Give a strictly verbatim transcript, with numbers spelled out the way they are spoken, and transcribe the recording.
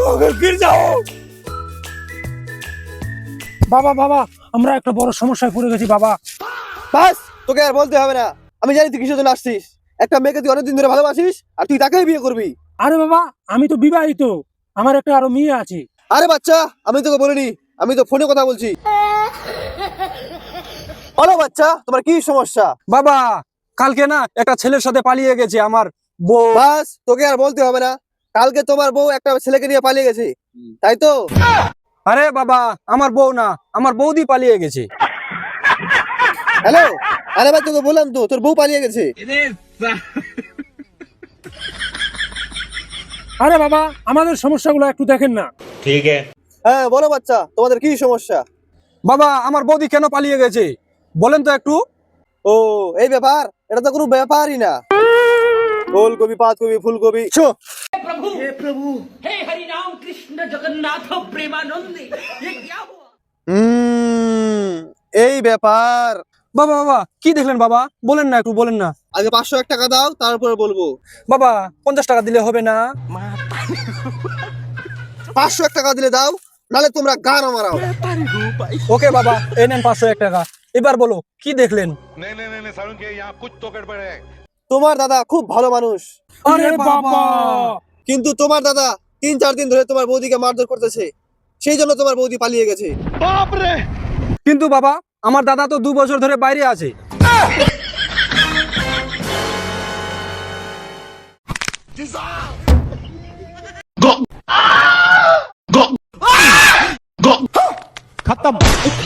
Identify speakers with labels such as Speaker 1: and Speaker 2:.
Speaker 1: गिर जाओ। বাবা বাবা আমরা একটা বড় সমস্যায় পড়ে গেছি বাবা।
Speaker 2: বাস, তোকে আর বলতে হবে না, আমি জানি তুই কিসের জন্য আসছিস। একটা মেয়েকে তুই অনেকদিন ধরে ভালোবাসিস আর তুই তাকেই বিয়ে করবি।
Speaker 1: আরে বাবা আমি তো বিবাহিত, আমার একটা আরো মেয়ে আছে।
Speaker 2: আরে বাচ্চা, আমি তোকে বলিনি, আমি তো ফোনে কথা বলছি। বলো বাচ্চা, তোমার কি সমস্যা?
Speaker 3: বাবা কালকে না একটা ছেলের সাথে পালিয়ে গেছে আমার বউ।
Speaker 2: বাস, তোকে আর বলতে হবে না, কালকে তোমার বউ একটা ছেলেকে নিয়ে পালিয়ে গেছে, তাই তো?
Speaker 3: আরে বাবা আমার বউ না, আমার বৌদি পালিয়ে গেছে।
Speaker 2: হ্যালো, আরে ভাই তোকে বললাম তো তোর বউ পালিয়ে গেছে।
Speaker 1: আরে বাবা আমাদের সমস্যাগুলো একটু দেখেন না।
Speaker 4: ठीक है।
Speaker 2: হ্যাঁ বলো বাচ্চা, তোমাদের কি সমস্যা?
Speaker 3: বাবা আমার বৌদি কেন পালিয়ে গেছে বলেন তো একটু।
Speaker 2: ও এই ব্যাপার, এটা তো কোনো ব্যাপারই না। ফুলকপি পাতকপি ফুলকপি শো।
Speaker 5: हे हरि राम कृष्ण जगन्नाथ प्रेमानंदी ये क्या हुआ?
Speaker 2: হুম, এই ব্যাপার।
Speaker 3: বাবা বাবা কি দেখলেন বাবা, বলেন না একটু বলেন না।
Speaker 2: আগে পাঁচশো এক টাকা দাও, তারপরে বলবো।
Speaker 3: বাবা পঞ্চাশ টাকা দিলে হবে না?
Speaker 2: পাঁচশো এক টাকা দিলে দাও, নালে তোমরা গান মারাও।
Speaker 3: ওকে বাবা এই নেন পাঁচশো এক টাকা। এবার বলো কি দেখলেন?
Speaker 4: नहीं नहीं नहीं सारुण के यहाँ कुछ तो गड़बड़ है।
Speaker 2: তোমার দাদা খুব ভালো মানুষ,
Speaker 1: আরে বাবা
Speaker 2: কিন্তু তোমার দাদা তিন চার দিন ধরে তোমার বৌদিকে মারধর করতেছে, সেই জন্য তোমার বৌদি পালিয়ে গেছে।
Speaker 3: কিন্তু বাবা আমার দাদা তো দু বছর ধরে বাইরে আছে।
Speaker 4: खत्म।